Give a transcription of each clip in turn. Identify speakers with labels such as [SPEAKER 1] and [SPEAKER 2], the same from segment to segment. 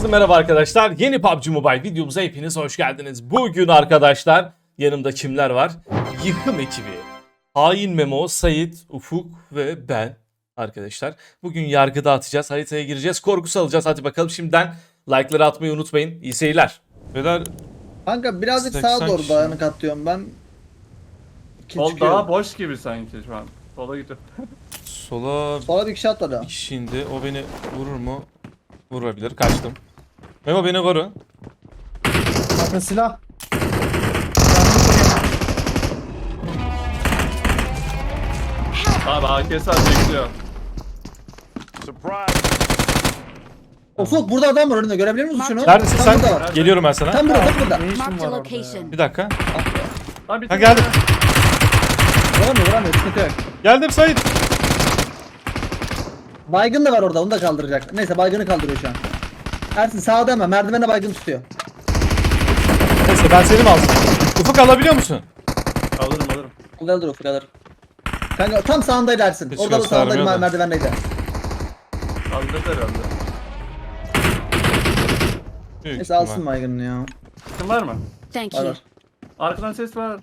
[SPEAKER 1] Herkese merhaba arkadaşlar. Yeni PUBG Mobile videomuza hepiniz hoş geldiniz. Bugün arkadaşlar yanımda kimler var? Yıkım ekibi. Hain Memo, Sait, Ufuk ve ben arkadaşlar. Bugün yargı dağıtacağız. Haritaya gireceğiz. Korku salacağız. Hadi bakalım şimdiden like'ları atmayı unutmayın. İyi seyirler. Beyler
[SPEAKER 2] Kanka birazcık
[SPEAKER 1] 80
[SPEAKER 2] sağa doğru
[SPEAKER 1] kişi.
[SPEAKER 2] dayanık atıyorum ben.
[SPEAKER 3] Sol daha boş gibi sanki şu an. Sola gidiyor.
[SPEAKER 1] sola
[SPEAKER 2] Sola bir kişi atladı.
[SPEAKER 1] bir kişi indi. O beni vurur mu? Vurabilir. Kaçtım. Memo beni koru.
[SPEAKER 4] Bakın silah.
[SPEAKER 3] Abi AKS bekliyor.
[SPEAKER 2] Ufuk burada adam var önünde, görebiliyor musun şunu?
[SPEAKER 1] Neredesin
[SPEAKER 2] Tam
[SPEAKER 1] sen?
[SPEAKER 2] burada var.
[SPEAKER 1] Geliyorum ben sana.
[SPEAKER 2] Tam burada, tam burada.
[SPEAKER 4] Ne işin
[SPEAKER 5] Marked a
[SPEAKER 4] var orada
[SPEAKER 5] location.
[SPEAKER 1] Bir dakika.
[SPEAKER 3] Abi
[SPEAKER 1] Ha geldim.
[SPEAKER 2] Vuramıyor, vuramıyor, sıkıntı yok.
[SPEAKER 1] Geldim Sait.
[SPEAKER 2] Baygın da var orada, onu da kaldıracak. Neyse, baygını kaldırıyor şu an. Ersin sağda hemen, merdivene baygın tutuyor.
[SPEAKER 1] Neyse ben seni mi aldım? Ufuk alabiliyor musun?
[SPEAKER 3] Alırım.
[SPEAKER 2] Alır Ufuk, alır. Kanka tam sağındaydı Ersin.
[SPEAKER 1] Hiç
[SPEAKER 2] Orada da sağındaydı,
[SPEAKER 1] göstermiyor da.
[SPEAKER 2] merdivendeydi.
[SPEAKER 3] Kaldırdı herhalde.
[SPEAKER 1] Büyük
[SPEAKER 2] Neyse
[SPEAKER 1] ihtimal.
[SPEAKER 2] alsın baygını ya.
[SPEAKER 3] Kim var mı?
[SPEAKER 5] Thank
[SPEAKER 2] Var
[SPEAKER 5] you.
[SPEAKER 2] var.
[SPEAKER 3] Arkadan ses var.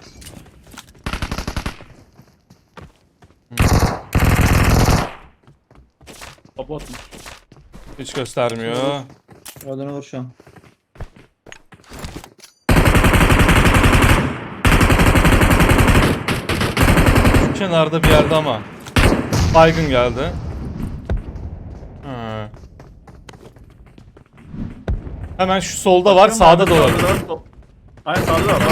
[SPEAKER 3] O botmuş.
[SPEAKER 1] Hiç göstermiyor.
[SPEAKER 2] Oradan vur şu an.
[SPEAKER 1] Kenarda bir yerde ama. Baygın geldi. Ha. Hemen şu solda var, sağda da olabilir.
[SPEAKER 3] Aynen sağda da var.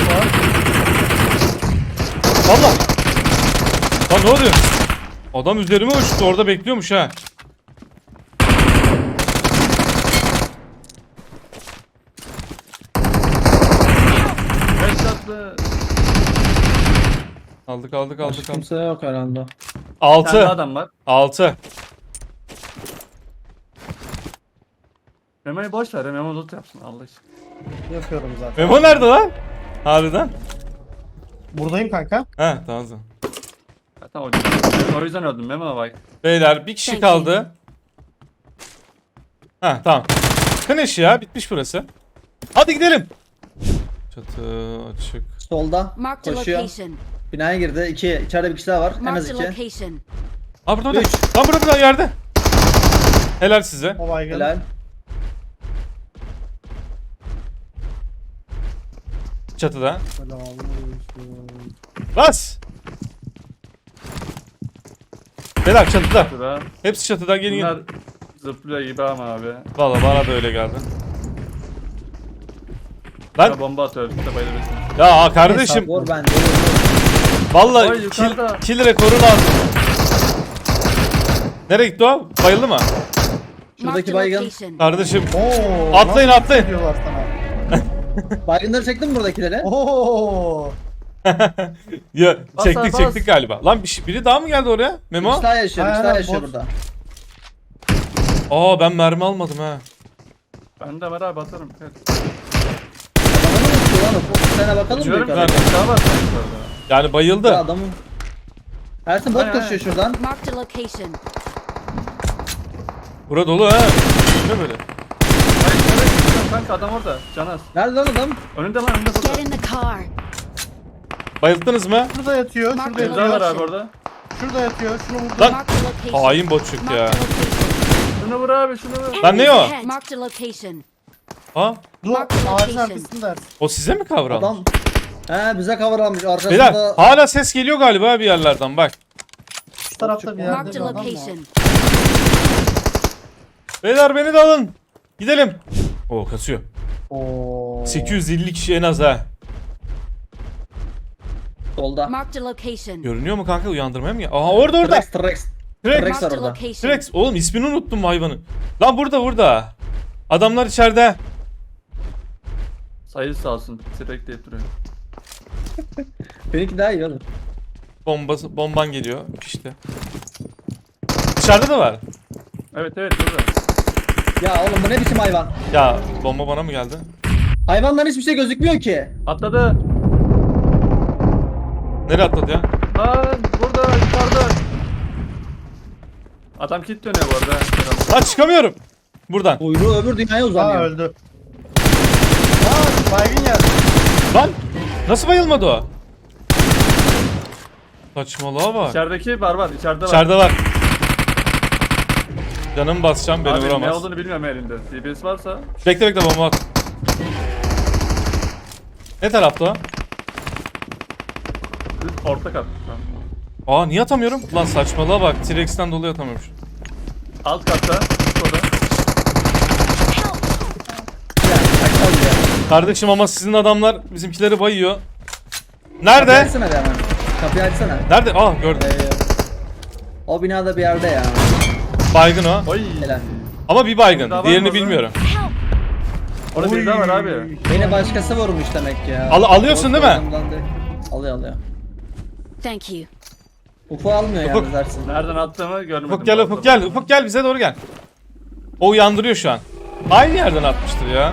[SPEAKER 1] Valla. Lan ne oluyor? Adam üzerime uçtu, orada bekliyormuş ha.
[SPEAKER 3] Headshot'lı.
[SPEAKER 1] Aldık.
[SPEAKER 2] Kimse yok herhalde.
[SPEAKER 3] Bir tane
[SPEAKER 1] 6.
[SPEAKER 3] adam var.
[SPEAKER 1] 6.
[SPEAKER 3] Memo'yu boş ver. Memo loot yapsın Allah için.
[SPEAKER 4] Yapıyorum zaten.
[SPEAKER 1] Memo nerede lan? Harbiden.
[SPEAKER 4] Buradayım kanka.
[SPEAKER 1] He tamam.
[SPEAKER 3] Zaten o yüzden öldüm Memo'na bak.
[SPEAKER 1] Beyler bir kişi
[SPEAKER 5] Thank you.
[SPEAKER 1] kaldı. Ha tamam. Finish ya, bitmiş burası. Hadi gidelim. Çatı açık.
[SPEAKER 2] Solda
[SPEAKER 5] Marked a
[SPEAKER 2] koşuyor.
[SPEAKER 5] location.
[SPEAKER 2] Binaya girdi. İçeride bir kişi daha var. En az
[SPEAKER 5] Marked a
[SPEAKER 2] 2.
[SPEAKER 5] location.
[SPEAKER 1] Ha burada.
[SPEAKER 2] Üç.
[SPEAKER 1] Lan burada yerde. Helal size.
[SPEAKER 4] O baygın.
[SPEAKER 2] Helal.
[SPEAKER 1] Çatıda.
[SPEAKER 4] Selamünaleyküm.
[SPEAKER 1] Bas. Beyler çatıda.
[SPEAKER 3] Şurada.
[SPEAKER 1] Hepsi çatıdan gelin.
[SPEAKER 3] Bunlar zıplıyor gibi ama abi.
[SPEAKER 1] Valla bana da öyle geldi. Lan
[SPEAKER 3] Lan. Bomba atıyor. İşte bayılıyorsun.
[SPEAKER 1] ya kardeşim.
[SPEAKER 2] Vur bence.
[SPEAKER 1] Valla
[SPEAKER 3] Oy, yukarıda.
[SPEAKER 1] kill rekoru lazım. Nereye gitti o? Bayıldı mı?
[SPEAKER 2] Şuradaki
[SPEAKER 5] Marked a
[SPEAKER 2] baygın.
[SPEAKER 5] location.
[SPEAKER 1] Kardeşim.
[SPEAKER 4] Oo,
[SPEAKER 1] Atlayın,
[SPEAKER 4] nasıl
[SPEAKER 1] atlayın.
[SPEAKER 4] diyorlar sana?
[SPEAKER 2] Baygınları çektin mi buradakileri?
[SPEAKER 4] Oo.
[SPEAKER 1] Ya
[SPEAKER 3] Bas
[SPEAKER 1] çektik
[SPEAKER 3] abi, bas.
[SPEAKER 1] çektik galiba. Lan biri daha mı geldi oraya? Memo?
[SPEAKER 2] İkisi daha yaşıyor, ikisi daha
[SPEAKER 4] Aynen,
[SPEAKER 2] yaşıyor
[SPEAKER 4] bot.
[SPEAKER 2] burada.
[SPEAKER 1] Aa ben mermi almadım ha.
[SPEAKER 3] Ben de var abi atarım. Evet.
[SPEAKER 2] Adamı mı tutuyor lan o? Sana bakalım mı
[SPEAKER 3] Diyorum
[SPEAKER 2] yukarı?
[SPEAKER 3] ben daha var sanki orada.
[SPEAKER 1] Yani bayıldı.
[SPEAKER 2] Ya adamı. Ersin bot
[SPEAKER 3] Aynen,
[SPEAKER 2] koşuyor şuradan.
[SPEAKER 5] Marked a location.
[SPEAKER 1] Bura dolu ha. Ne böyle?
[SPEAKER 3] Hayır nereye gidiyorsun kanka adam orada. Canaz.
[SPEAKER 2] Nerede lan adam?
[SPEAKER 3] Önünde lan önünde
[SPEAKER 5] Get
[SPEAKER 3] burada.
[SPEAKER 5] in the car.
[SPEAKER 1] Bayılttınız mı?
[SPEAKER 4] Şurada yatıyor, şurada
[SPEAKER 5] Marked a
[SPEAKER 3] Bir daha
[SPEAKER 4] yatıyor.
[SPEAKER 3] var abi orada.
[SPEAKER 4] Şurada yatıyor, şunu vurdum.
[SPEAKER 1] Lan
[SPEAKER 5] Marked a location.
[SPEAKER 1] hain bot çıktı ya.
[SPEAKER 5] Marked a location.
[SPEAKER 3] Şunu vur abi şunu vur.
[SPEAKER 1] Lan ne o?
[SPEAKER 5] Enemies ahead. Marked a location.
[SPEAKER 1] Ha?
[SPEAKER 4] Dur,
[SPEAKER 5] Marked
[SPEAKER 4] ağacın
[SPEAKER 5] location.
[SPEAKER 4] arkasında Ersin.
[SPEAKER 1] O size mi kavramış?
[SPEAKER 2] Adam. He bize cover almış
[SPEAKER 1] Beyler
[SPEAKER 2] arkasında.
[SPEAKER 1] hala ses geliyor galiba bir yerlerden bak.
[SPEAKER 4] Şu tarafta bir yerde
[SPEAKER 5] Marked
[SPEAKER 4] bir
[SPEAKER 5] a
[SPEAKER 4] adam var.
[SPEAKER 5] location.
[SPEAKER 1] Beyler beni de alın. Gidelim. Oo kasıyor.
[SPEAKER 4] Oo.
[SPEAKER 1] 850 kişi en az ha.
[SPEAKER 2] Solda.
[SPEAKER 5] Marked a location.
[SPEAKER 1] Görünüyor mu kanka, uyandırmaya mı? Aha orada.
[SPEAKER 2] T-Rex.
[SPEAKER 1] T-Rex.
[SPEAKER 2] T-Rex var
[SPEAKER 5] Marked a
[SPEAKER 2] orada.
[SPEAKER 5] location.
[SPEAKER 1] T-Rex. Oğlum ismini unuttum bu hayvanın. Lan burada. Adamlar içeride.
[SPEAKER 3] Sayı sağ olsun. Sürekli deyip duruyor.
[SPEAKER 2] Benimki daha iyi oğlum.
[SPEAKER 1] Bomban geliyor işte. Dışarıda da var.
[SPEAKER 3] Evet burada.
[SPEAKER 2] Ya oğlum bu ne biçim hayvan?
[SPEAKER 1] Ya bomba bana mı geldi?
[SPEAKER 2] Hayvanların hiçbir şey gözükmüyor ki.
[SPEAKER 3] Atladı.
[SPEAKER 1] Nereye atladı ya?
[SPEAKER 3] Lan burada yukarıda. Adam kit dönüyor bu arada.
[SPEAKER 1] Lan çıkamıyorum. Buradan.
[SPEAKER 2] Kuyruğu öbür dünyaya
[SPEAKER 4] Aa
[SPEAKER 2] uzanıyor.
[SPEAKER 4] öldü. Aa baygın geldi.
[SPEAKER 1] Lan nasıl bayılmadı o? Saçmalığa bak.
[SPEAKER 3] İçerideki var içeride var.
[SPEAKER 1] İçeride var. Canımı basacağım beni
[SPEAKER 3] Abi ne
[SPEAKER 1] vuramaz.
[SPEAKER 3] olduğunu bilmiyorum elinde. DBS varsa.
[SPEAKER 1] Bekle bomba at. Ne tarafta o?
[SPEAKER 3] Orta kat.
[SPEAKER 1] Aa niye atamıyorum? Lan saçmalığa bak. T-Rex'ten dolayı atamıyorum.
[SPEAKER 3] Alt katta. Şurada.
[SPEAKER 2] Ya çakal ya.
[SPEAKER 1] Kardeşim ama sizin adamlar bizimkileri bayıyor.
[SPEAKER 2] Kapıyı
[SPEAKER 1] Nerede?
[SPEAKER 2] açsana bir hemen. Kapıyı açsana.
[SPEAKER 1] Nerede? Aa gördüm.
[SPEAKER 2] O binada bir yerde ya.
[SPEAKER 1] Baygın o.
[SPEAKER 3] Oy.
[SPEAKER 2] Helal.
[SPEAKER 1] Ama bir baygın.
[SPEAKER 3] Daha var
[SPEAKER 1] Diğerini
[SPEAKER 3] mı orada?
[SPEAKER 1] bilmiyorum.
[SPEAKER 3] Orada bir daha var abi.
[SPEAKER 2] Beni başkası vurmuş demek ya.
[SPEAKER 1] Alıyorsun değil mi?
[SPEAKER 2] Ortamdan direkt- Alıyor.
[SPEAKER 5] Thank you.
[SPEAKER 2] Ufuk almıyor
[SPEAKER 1] Ufuk.
[SPEAKER 2] yalnız Ersin.
[SPEAKER 3] Nereden attığımı görmedim.
[SPEAKER 1] Ufuk gel
[SPEAKER 3] bu arada.
[SPEAKER 1] Ufuk gel. Ufuk gel bize doğru gel. O uyandırıyor şu an. Aynı yerden atmıştır ya.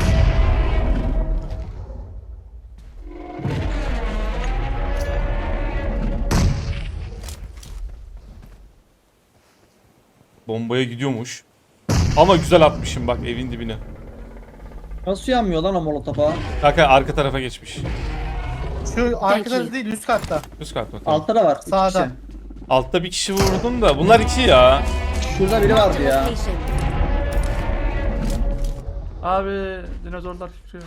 [SPEAKER 1] Bombaya gidiyormuş. Ama güzel atmışım bak evin dibine.
[SPEAKER 2] Nasıl yanmıyor lan o molotofa?
[SPEAKER 1] Kanka arka tarafa geçmiş.
[SPEAKER 4] Şu arka
[SPEAKER 5] you.
[SPEAKER 4] tarafı değil üst katta.
[SPEAKER 1] Üst kat bakalım.
[SPEAKER 2] Altta da var. iki
[SPEAKER 4] Sağda.
[SPEAKER 2] kişi.
[SPEAKER 1] Altta bir kişi vurdum da bunlar iki ya.
[SPEAKER 2] Şurada biri vardı ya.
[SPEAKER 5] Location.
[SPEAKER 3] Abi dinozorlar çıkıyor.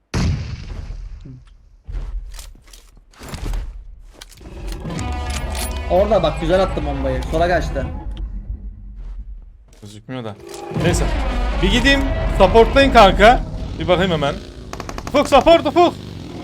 [SPEAKER 2] Orada bak güzel attım bombayı. Sola kaçtı.
[SPEAKER 1] Gözükmüyor da. Neyse. Bir gideyim. Supportlayın kanka. Bir bakayım hemen. Ufuk support Ufuk.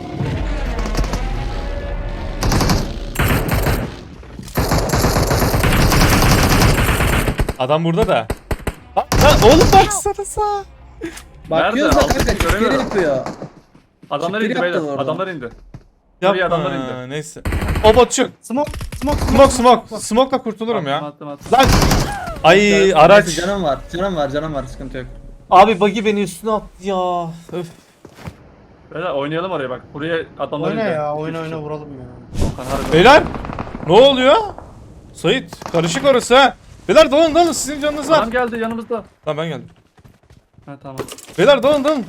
[SPEAKER 1] Adam burada da. Oğlum baksana sağ.
[SPEAKER 2] Bakıyoruz da
[SPEAKER 3] Nerede?
[SPEAKER 2] kanka
[SPEAKER 3] Altı
[SPEAKER 2] çiftleri
[SPEAKER 3] göremiyorum.
[SPEAKER 2] yapıyor.
[SPEAKER 3] Adamlar
[SPEAKER 2] Çıktı
[SPEAKER 3] indi
[SPEAKER 2] yaptı
[SPEAKER 3] beyler.
[SPEAKER 2] orada.
[SPEAKER 3] Adamlar indi. Buraya adamlar
[SPEAKER 1] Yapma.
[SPEAKER 3] indi.
[SPEAKER 1] Neyse. O botçuk.
[SPEAKER 4] Smoke.
[SPEAKER 1] Smoke'la kurtulurum ya.
[SPEAKER 3] Attım.
[SPEAKER 1] Lan. Ay
[SPEAKER 2] Neyse,
[SPEAKER 1] araç.
[SPEAKER 2] Canım var. Canım var. Sıkıntı yok.
[SPEAKER 1] Abi buggy beni üstüne attı ya. Öf.
[SPEAKER 3] Beyler oynayalım oraya bak. Buraya adamlar
[SPEAKER 4] Oyna
[SPEAKER 3] indi.
[SPEAKER 4] ya
[SPEAKER 3] Üç
[SPEAKER 4] oyna
[SPEAKER 3] kişi.
[SPEAKER 4] vuralım ya.
[SPEAKER 3] Okan, harbi.
[SPEAKER 1] Beyler. Ne oluyor? Sait karışık orası ha. Beyler dalın sizin canınız var.
[SPEAKER 3] Adam geldi yanımızda.
[SPEAKER 1] Lan ben geldim.
[SPEAKER 3] Ha tamam.
[SPEAKER 1] Beyler dalın.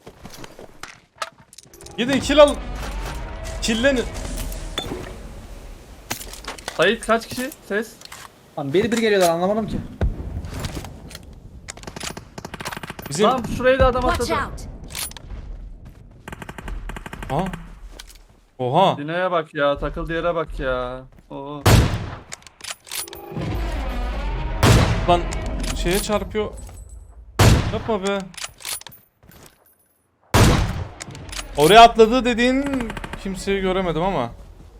[SPEAKER 1] Gidin kill al. Killenin.
[SPEAKER 3] Sait kaç kişi? Ses.
[SPEAKER 2] Lan bir geliyorlar anlamadım ki.
[SPEAKER 1] Bizim...
[SPEAKER 3] Tamam şuraya da adam
[SPEAKER 5] Watch
[SPEAKER 3] atladı.
[SPEAKER 5] out.
[SPEAKER 1] Ha. Oha.
[SPEAKER 3] Dina'ya bak ya. Takıldığı yere bak ya. Oo.
[SPEAKER 1] Lan şeye çarpıyor. Yapma be. Oraya atladı dediğin kimseyi göremedim ama.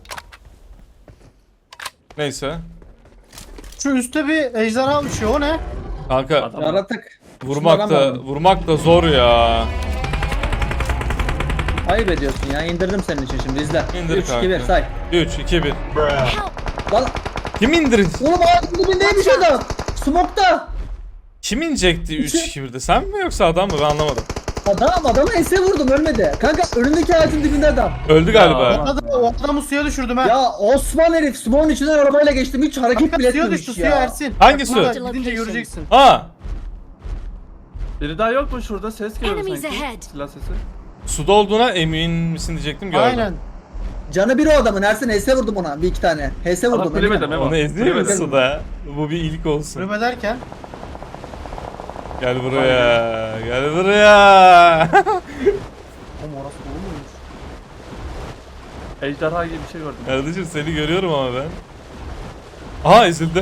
[SPEAKER 1] Neyse.
[SPEAKER 4] Şu üstte bir ejderha uçuyor o ne?
[SPEAKER 1] Kanka
[SPEAKER 3] Adam.
[SPEAKER 2] Yaratık.
[SPEAKER 1] vurmak da zor ya.
[SPEAKER 2] Ayıp ediyorsun ya. İndirdim senin için şimdi izle.
[SPEAKER 1] İndir
[SPEAKER 2] 3 2 1
[SPEAKER 1] kanka.
[SPEAKER 2] say.
[SPEAKER 1] 3 2 1.
[SPEAKER 2] Lan
[SPEAKER 1] Kim indirin?
[SPEAKER 2] oğlum ağacın dibindeymiş adam. Smoke'ta.
[SPEAKER 1] Kim inecekti 3 2 1'de? Sen mi yoksa adam mı? Ben anlamadım.
[SPEAKER 2] Adamı ense vurdum ölmedi. Kanka önündeki ağacın dibinde adam.
[SPEAKER 1] Öldü galiba.
[SPEAKER 3] Ya.
[SPEAKER 4] O adamı suya düşürdüm ha.
[SPEAKER 2] Ya Osman herif smoke'un içinden arabayla geçtim. Hiç hareket
[SPEAKER 4] Kanka,
[SPEAKER 2] bile
[SPEAKER 4] suya
[SPEAKER 2] etmemiş
[SPEAKER 4] düştü
[SPEAKER 2] ya.
[SPEAKER 4] suya Ersin.
[SPEAKER 1] Hangi
[SPEAKER 4] Bak,
[SPEAKER 1] su?
[SPEAKER 4] burada Gidince göreceksin.
[SPEAKER 1] Aa,
[SPEAKER 3] Biri daha yok mu şurada? Ses geliyor
[SPEAKER 5] Enemies
[SPEAKER 3] sanki.
[SPEAKER 5] ahead.
[SPEAKER 3] Silah sesi.
[SPEAKER 1] suda olduğuna emin misin diyecektim gördüm.
[SPEAKER 4] Aynen.
[SPEAKER 2] Canı bir o adamın. Ersin HS vurdum ona. Bir iki tane. HS
[SPEAKER 3] Ama
[SPEAKER 2] vurdum.
[SPEAKER 3] kulübede
[SPEAKER 2] eminim.
[SPEAKER 3] Memo.
[SPEAKER 1] Onu eziyor
[SPEAKER 3] Kulübede.
[SPEAKER 1] musun suda? Bu bir ilk olsun.
[SPEAKER 4] Rübe derken.
[SPEAKER 1] Gel buraya. Gel buraya.
[SPEAKER 4] Oğlum orası dolu muymuş?
[SPEAKER 3] Ejderha gibi bir şey gördüm.
[SPEAKER 1] Kardeşim seni görüyorum ama ben. Aha ezildi.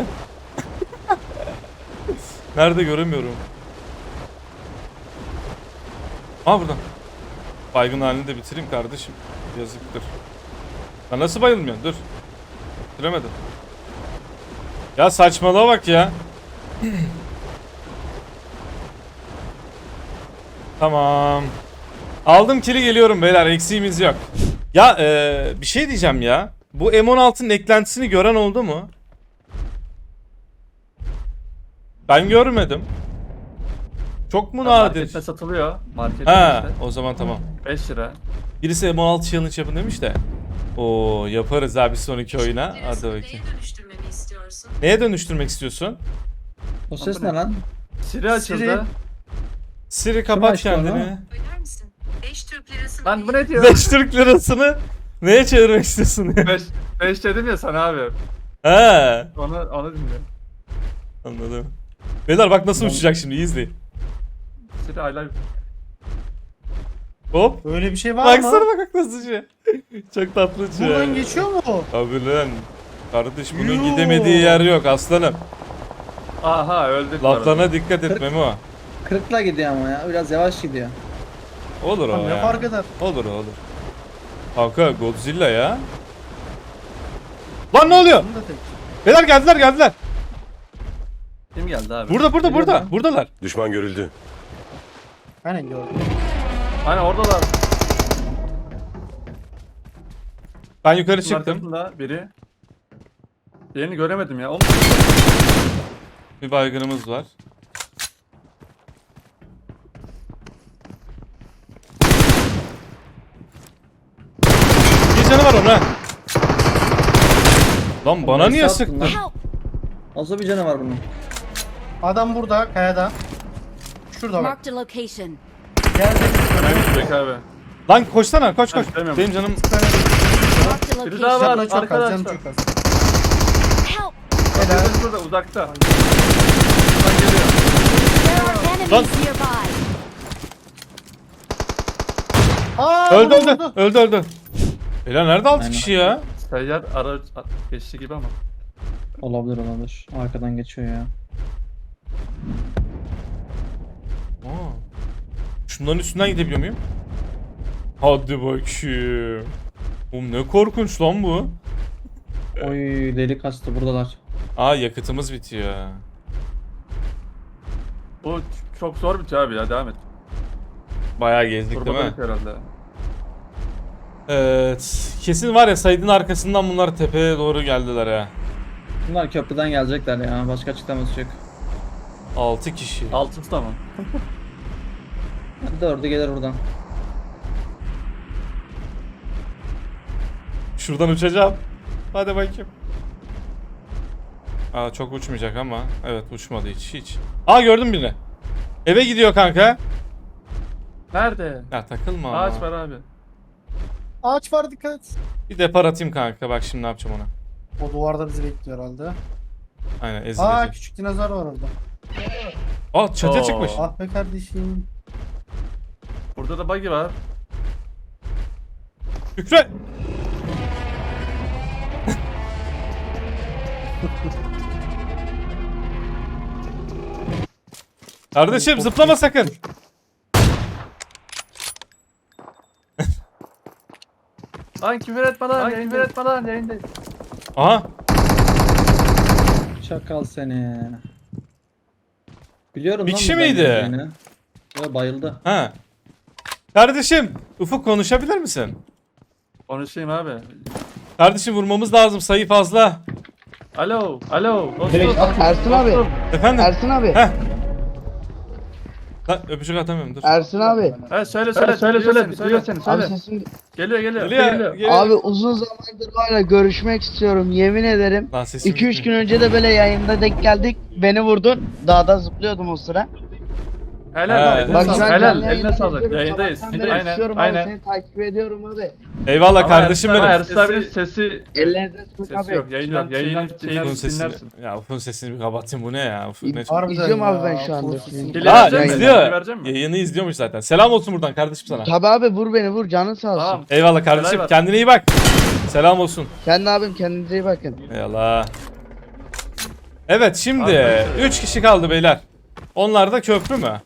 [SPEAKER 1] Nerede göremiyorum. Aa burada. Baygın halini de bitireyim kardeşim. Yazıktır. Ya nasıl bayılmıyorsun? Dur. Bitiremedim. Ya saçmalığa bak ya. Tamam. Aldım kili geliyorum beyler. Eksiğimiz yok. Ya bir şey diyeceğim ya. Bu M16'nın eklentisini gören oldu mu? Ben görmedim. Çok mu nadir?
[SPEAKER 3] Markette satılıyor. Markette
[SPEAKER 1] Ha,
[SPEAKER 3] işte.
[SPEAKER 1] o zaman tamam.
[SPEAKER 3] 5 lira.
[SPEAKER 1] Birisi M16 challenge yapın demiş de. Oo yaparız abi sonraki oyuna. Hadi
[SPEAKER 6] Hadi
[SPEAKER 1] bakayım.
[SPEAKER 6] Neye dönüştürmemi istiyorsun?
[SPEAKER 1] Neye dönüştürmek istiyorsun?
[SPEAKER 2] O ses ne lan?
[SPEAKER 3] Siri açıldı.
[SPEAKER 4] Siri.
[SPEAKER 1] Siri kapat
[SPEAKER 2] açtı onu?
[SPEAKER 1] kendini.
[SPEAKER 6] Öder misin? 5 Türk lirası.
[SPEAKER 3] Lan bu ne diyor?
[SPEAKER 1] 5 Türk lirasını neye çevirmek istiyorsun?
[SPEAKER 3] 5 dedim ya sana abi.
[SPEAKER 1] He.
[SPEAKER 3] Onu dinle.
[SPEAKER 1] Anladım. Beyler bak nasıl uçacak şimdi, iyi izleyin.
[SPEAKER 3] Siri I love you.
[SPEAKER 1] Hop.
[SPEAKER 4] Öyle bir şey var
[SPEAKER 1] Baksana
[SPEAKER 4] mı?
[SPEAKER 1] bak nasıl uçuyor. Çok tatlı uçuyor.
[SPEAKER 4] Buradan geçiyor mu o?
[SPEAKER 1] Abi lan. Kardeş bunun
[SPEAKER 4] Yoo.
[SPEAKER 1] gidemediği yer yok aslanım.
[SPEAKER 3] Aha öldük. bu arada.
[SPEAKER 1] Laflarına dikkat et Memo.
[SPEAKER 2] 40'la gidiyor ama ya. Biraz yavaş gidiyor.
[SPEAKER 1] Olur o
[SPEAKER 4] Lan ne
[SPEAKER 1] ya.
[SPEAKER 4] fark eder?
[SPEAKER 1] Olur. Kanka Godzilla ya. Lan ne oluyor?
[SPEAKER 4] Bunu da tek.
[SPEAKER 1] Beyler geldiler.
[SPEAKER 3] Kim geldi abi?
[SPEAKER 1] Burada. Buradalar.
[SPEAKER 5] Düşman görüldü.
[SPEAKER 4] Aynen gördüm.
[SPEAKER 3] Hani oradalar.
[SPEAKER 1] Ben yukarı
[SPEAKER 3] Bunun
[SPEAKER 1] çıktım.
[SPEAKER 3] arkasında biri. Diğerini göremedim ya. Oğlum.
[SPEAKER 1] Bir baygınımız var. Bir canı var onun ha. Lan bana niye
[SPEAKER 2] Nasıl attın
[SPEAKER 1] sıktın?
[SPEAKER 2] lan?
[SPEAKER 5] Help!
[SPEAKER 2] Nasıl bir canavar bunun?
[SPEAKER 4] Adam burada kayada. Şurada bak.
[SPEAKER 5] Marked a location.
[SPEAKER 4] Geldi.
[SPEAKER 3] Göremedik abi.
[SPEAKER 1] Lan koşsana koş.
[SPEAKER 3] Ben istemiyorum.
[SPEAKER 1] Benim canım
[SPEAKER 5] Marked a
[SPEAKER 3] Biri daha
[SPEAKER 5] location.
[SPEAKER 3] var.
[SPEAKER 4] Canı çok az, canı
[SPEAKER 3] Arkadaşlar.
[SPEAKER 4] çok az.
[SPEAKER 5] Help!
[SPEAKER 3] Biri burada uzakta. Buradan geliyor.
[SPEAKER 5] There are enemies nearby.
[SPEAKER 4] Aa,
[SPEAKER 1] öldü. Beyler nerede 6
[SPEAKER 2] Aynen.
[SPEAKER 1] kişi ya?
[SPEAKER 3] Seyyar ara geçti gibi ama.
[SPEAKER 2] Olabilir. Arkadan geçiyor ya.
[SPEAKER 1] Aa. Şunların üstünden gidebiliyor muyum? Hadi bakayım. Oğlum ne korkunç lan bu.
[SPEAKER 2] Oy deli kastı buradalar.
[SPEAKER 1] Aa yakıtımız bitiyor.
[SPEAKER 3] Bu çok zor bitiyor abi ya, devam et.
[SPEAKER 1] Bayağı gezdik değil
[SPEAKER 3] Turboda
[SPEAKER 1] mi?
[SPEAKER 3] bitiyor herhalde.
[SPEAKER 1] Evet. Kesin var ya Said'in arkasından bunlar tepeye doğru geldiler ha.
[SPEAKER 2] Bunlar köprüden gelecekler ya. Başka açıklaması yok.
[SPEAKER 1] 6 kişi.
[SPEAKER 3] Altıncı da mı?
[SPEAKER 2] 4'ü gelir buradan.
[SPEAKER 1] Şuradan uçacağım. Hadi bakayım. Aa çok uçmayacak ama. Evet uçmadı hiç. Aa gördüm birini. Eve gidiyor kanka.
[SPEAKER 3] Nerede?
[SPEAKER 1] Ya takılma ama.
[SPEAKER 3] Ağaç var abi.
[SPEAKER 4] Ağaç var, dikkat et.
[SPEAKER 1] Bir depar atayım kanka. Bak şimdi ne yapacağım ona.
[SPEAKER 4] O duvarda bizi bekliyor herhalde.
[SPEAKER 1] Aynen
[SPEAKER 4] Aa,
[SPEAKER 1] ezilecek.
[SPEAKER 4] küçük dinozor var orada.
[SPEAKER 1] Aa çatıya
[SPEAKER 3] Oo.
[SPEAKER 1] çıkmış.
[SPEAKER 4] Ah be kardeşim.
[SPEAKER 3] Burada da buggy var.
[SPEAKER 1] Şükre. Kardeşim zıplama sakın.
[SPEAKER 3] Lan küfür etme lan. Küfür etme lan, yayındayız.
[SPEAKER 1] Aha.
[SPEAKER 2] Çakal seni. Biliyorum
[SPEAKER 1] Bir
[SPEAKER 2] lan
[SPEAKER 1] kişi
[SPEAKER 2] buradan
[SPEAKER 1] miydi?
[SPEAKER 2] geleceğini. Yo, bayıldı.
[SPEAKER 1] Ha. Kardeşim Ufuk konuşabilir misin?
[SPEAKER 3] Konuşayım abi.
[SPEAKER 1] Kardeşim vurmamız lazım, sayı fazla.
[SPEAKER 3] Alo. Dostum.
[SPEAKER 7] Ersin abi.
[SPEAKER 1] Efendim?
[SPEAKER 7] Ersin abi.
[SPEAKER 1] Heh. Lan öpücük atamıyorum dur.
[SPEAKER 7] Ersin abi.
[SPEAKER 3] Evet söyle. Duyuyor seni
[SPEAKER 7] Abi
[SPEAKER 3] söyle.
[SPEAKER 7] sesin...
[SPEAKER 3] Geliyor.
[SPEAKER 1] Geliyor.
[SPEAKER 7] Abi uzun zamandır var ya, görüşmek istiyorum, yemin ederim.
[SPEAKER 1] Lan sesim
[SPEAKER 7] 2-3 gün
[SPEAKER 1] gitmiyor.
[SPEAKER 7] önce de böyle yayında denk geldik. Beni vurdun. Dağda zıplıyordum o sıra.
[SPEAKER 3] Helal.
[SPEAKER 1] Evet.
[SPEAKER 7] Bak şu an
[SPEAKER 3] Helal.
[SPEAKER 7] canlı
[SPEAKER 3] Eline
[SPEAKER 7] yayında
[SPEAKER 3] sağlık.
[SPEAKER 7] geziyorum.
[SPEAKER 3] Yayındayız.
[SPEAKER 7] Sabahtan beri istiyorum abi, seni takip ediyorum abi.
[SPEAKER 1] Eyvallah
[SPEAKER 3] Ama
[SPEAKER 1] kardeşim benim.
[SPEAKER 3] Ersin abinin sesi
[SPEAKER 7] Ellerinize sağlık
[SPEAKER 3] sesi
[SPEAKER 7] abi.
[SPEAKER 3] yok. Yayından
[SPEAKER 1] Ufuk'un sesini.
[SPEAKER 3] dinlersin.
[SPEAKER 1] Ya Ufuk'un sesini bir kapatayım, bu ne ya? Ufuk ne?
[SPEAKER 4] Harbiden
[SPEAKER 7] İzliyorum
[SPEAKER 4] ya,
[SPEAKER 7] abi ben şu anda
[SPEAKER 4] full
[SPEAKER 7] sizi.
[SPEAKER 3] Dile
[SPEAKER 1] Aa
[SPEAKER 3] verecek misin?
[SPEAKER 1] izliyor.
[SPEAKER 3] Dile verecek misin?
[SPEAKER 1] Yayını izliyormuş zaten. Selam olsun buradan kardeşim sana.
[SPEAKER 7] Tabi abi, vur beni vur, canın sağ olsun.
[SPEAKER 3] Tamam.
[SPEAKER 1] Eyvallah kardeşim.
[SPEAKER 3] Helal var.
[SPEAKER 1] Kendine iyi bak. Selam olsun.
[SPEAKER 7] Kendi abim, kendinize iyi bakın.
[SPEAKER 1] Eyvallah. Evet şimdi
[SPEAKER 3] Arkadaşlar.
[SPEAKER 1] 3 kişi kaldı beyler. Onlar da köprü mü?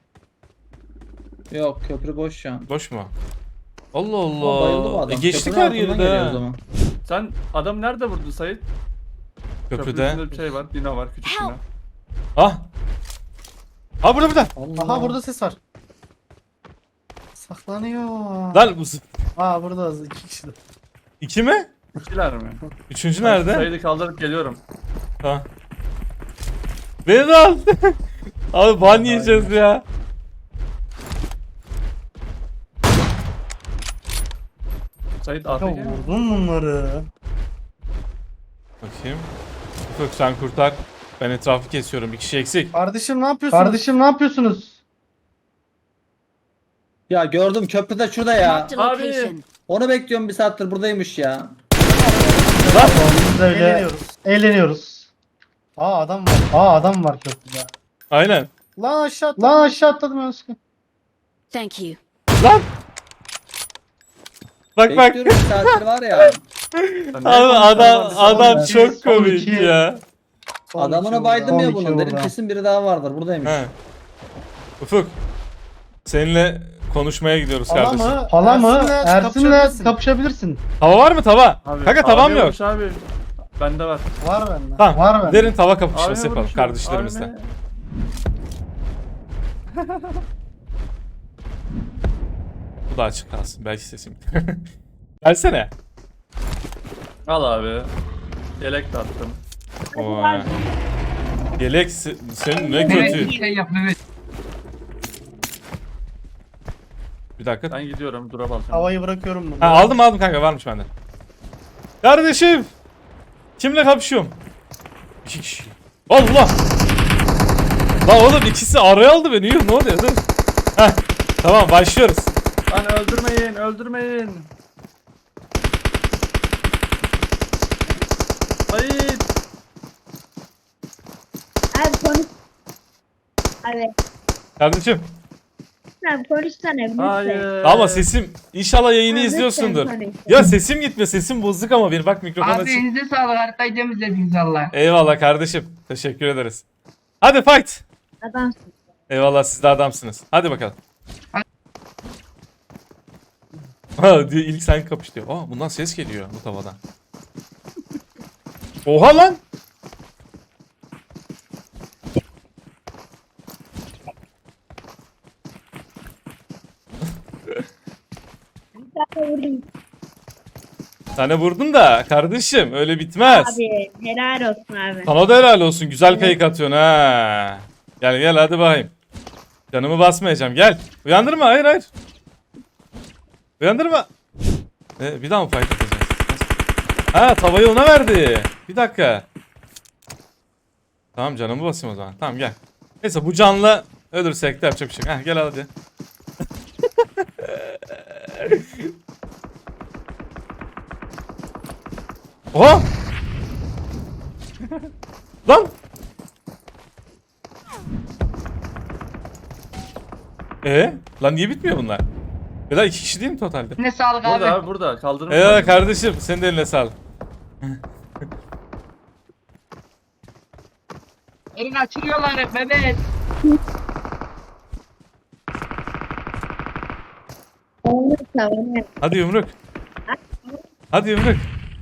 [SPEAKER 2] Yok köprü boş şu an.
[SPEAKER 1] Boş mu? Allah
[SPEAKER 2] Ama bayıldı bu
[SPEAKER 1] Allah.
[SPEAKER 2] adam.
[SPEAKER 1] Geçtik
[SPEAKER 2] Köprünün
[SPEAKER 1] her
[SPEAKER 2] altından
[SPEAKER 1] yeri
[SPEAKER 2] geliyor o
[SPEAKER 1] de.
[SPEAKER 2] zaman.
[SPEAKER 3] Sen adam nerede vurdun Sait?
[SPEAKER 1] Köprüde.
[SPEAKER 3] Köprüsünde bir şey var. Dino var, küçük dino.
[SPEAKER 1] Ah. Ha burada.
[SPEAKER 2] Allah.
[SPEAKER 4] Aha, burada ses var. Saklanıyor.
[SPEAKER 1] Lan bu
[SPEAKER 4] Aa, burada 2 kişi de.
[SPEAKER 1] 2 mi?
[SPEAKER 3] İkiler mi?
[SPEAKER 1] Üçüncü nerede?
[SPEAKER 3] Sait'i kaldırıp geliyorum.
[SPEAKER 1] Ha. Beni de al. Abi ban yiyeceğiz ya.
[SPEAKER 3] Sait
[SPEAKER 4] Ya
[SPEAKER 3] AFK mi?
[SPEAKER 4] vurdun bunları.
[SPEAKER 1] Bakayım. Ufuk sen kurtar. Ben etrafı kesiyorum. Bir kişi eksik.
[SPEAKER 4] Kardeşim ne yapıyorsunuz?
[SPEAKER 2] Ya gördüm köprüde şurada ya.
[SPEAKER 5] Marked a
[SPEAKER 3] Abi.
[SPEAKER 5] location.
[SPEAKER 2] Onu bekliyorum bir saattir buradaymış ya.
[SPEAKER 4] Biz öyle eğleniyoruz. Adam var. Adam var köprüde.
[SPEAKER 1] Aynen.
[SPEAKER 4] Lan aşağı atladım Özgür.
[SPEAKER 5] Thank you.
[SPEAKER 1] Lan. Bak bak.
[SPEAKER 2] Bekliyorum bir saattir var ya.
[SPEAKER 3] Ya ne
[SPEAKER 1] Adam
[SPEAKER 3] konuşuyorsun?
[SPEAKER 1] çok
[SPEAKER 4] Son
[SPEAKER 1] komik
[SPEAKER 4] iki.
[SPEAKER 1] ya.
[SPEAKER 2] Adamına baydım ya
[SPEAKER 4] Son
[SPEAKER 2] bunun.
[SPEAKER 4] iki
[SPEAKER 2] Dedim
[SPEAKER 4] orada.
[SPEAKER 2] kesin biri daha vardır. Buradaymış.
[SPEAKER 1] He. Ufuk. Seninle konuşmaya gidiyoruz kardeşim.
[SPEAKER 4] Hala mı? Ersin'le
[SPEAKER 7] kapışabilirsin.
[SPEAKER 4] kapışabilirsin.
[SPEAKER 1] Tava var mı tava?
[SPEAKER 3] Abi,
[SPEAKER 1] Kanka tavam yok.
[SPEAKER 3] yokmuş Abi. Bende var.
[SPEAKER 4] Var bende.
[SPEAKER 1] Tamam.
[SPEAKER 4] Var bende.
[SPEAKER 1] Derin tava kapışması
[SPEAKER 3] Abi
[SPEAKER 1] yapalım
[SPEAKER 3] vurmuş,
[SPEAKER 1] kardeşlerimizle.
[SPEAKER 3] abi.
[SPEAKER 1] Bu da açık kalsın. Belki sesim. Gelsene.
[SPEAKER 3] Al abi. Yelek de attım.
[SPEAKER 1] Vay. Yelek senin ne kötü. Bir dakika.
[SPEAKER 3] Ben gidiyorum. Dura basacağım.
[SPEAKER 4] Havayı bırakıyorum bunu.
[SPEAKER 1] Ha, aldım kanka varmış bende. Kardeşim. Kimle kapışıyorum? 2 kişi. Allah. Lan oğlum ikisi araya aldı beni. Yuh, ne oluyor? Dur. Heh, tamam başlıyoruz.
[SPEAKER 3] Lan öldürmeyin. Öldürmeyin. Hayır.
[SPEAKER 8] Abi konuş. Abi
[SPEAKER 1] Kardeşim.
[SPEAKER 8] sen konuşsana lütfen.
[SPEAKER 3] Hayır.
[SPEAKER 1] Ama sesim inşallah yayını
[SPEAKER 8] Ha,
[SPEAKER 1] izliyorsundur.
[SPEAKER 8] lütfen konuş.
[SPEAKER 1] Ya sesim gitme. Sesim bozuk ama bir bak mikrofon
[SPEAKER 7] Abi
[SPEAKER 1] açık.
[SPEAKER 7] elinize sağlık, haritayı temizlediniz Allah.
[SPEAKER 1] Eyvallah kardeşim. Teşekkür ederiz. Hadi fight.
[SPEAKER 8] Adamsın.
[SPEAKER 1] Eyvallah siz de adamsınız. Hadi bakalım. Ha diyor ilk sen kapış diyor. Aa bundan ses geliyor bu tavadan. Oha lan.
[SPEAKER 8] Bir tane vurayım.
[SPEAKER 1] Sana vurdun da kardeşim öyle bitmez.
[SPEAKER 8] Abi helal olsun abi.
[SPEAKER 1] Sana da helal olsun. Güzel kayık atıyorsun ha. Gel hadi bakayım. Canımı basmayacağım gel. Uyandırma hayır. Uyandırma. Bir daha mı fight atacağız? Ha tavayı ona verdi. Bir dakika. Tamam canımı basayım o zaman. Tamam gel. Neyse bu canla ölürsek de yapacak bir şey. Gel hadi. Oha! Lan! Lan niye bitmiyor bunlar? Ya da 2 kişi değil mi totalde?
[SPEAKER 7] Ne sağlık abi.
[SPEAKER 3] Burada abi burada. Kaldırın.
[SPEAKER 1] Kardeşim senin de eline sağlık.
[SPEAKER 7] Elini açılıyorlar Mehmet.
[SPEAKER 8] Tamam.
[SPEAKER 1] Hadi yumruk. Hadi yumruk.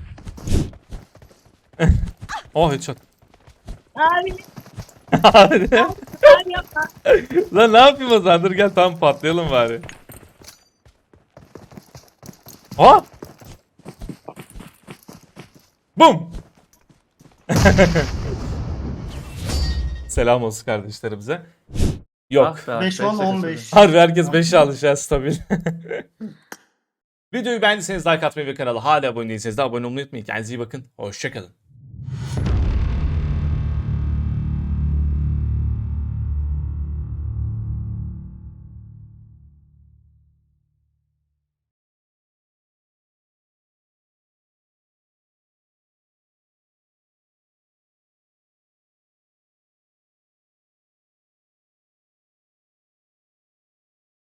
[SPEAKER 1] Oh headshot.
[SPEAKER 8] Abi
[SPEAKER 1] Hadi.
[SPEAKER 8] abi yapma.
[SPEAKER 1] Lan ne yapayım o zaman? Dur gel tam patlayalım bari. Ha? Bum. Selam olsun kardeşlerimize. Yok.
[SPEAKER 3] Ah be,
[SPEAKER 4] 5-10-15.
[SPEAKER 1] Harbi herkes 5'e alışıyor stabil. Videoyu beğendiyseniz like atmayı ve kanala hala abone değilseniz de abone olmayı unutmayın. Kendinize iyi bakın. Hoşçakalın.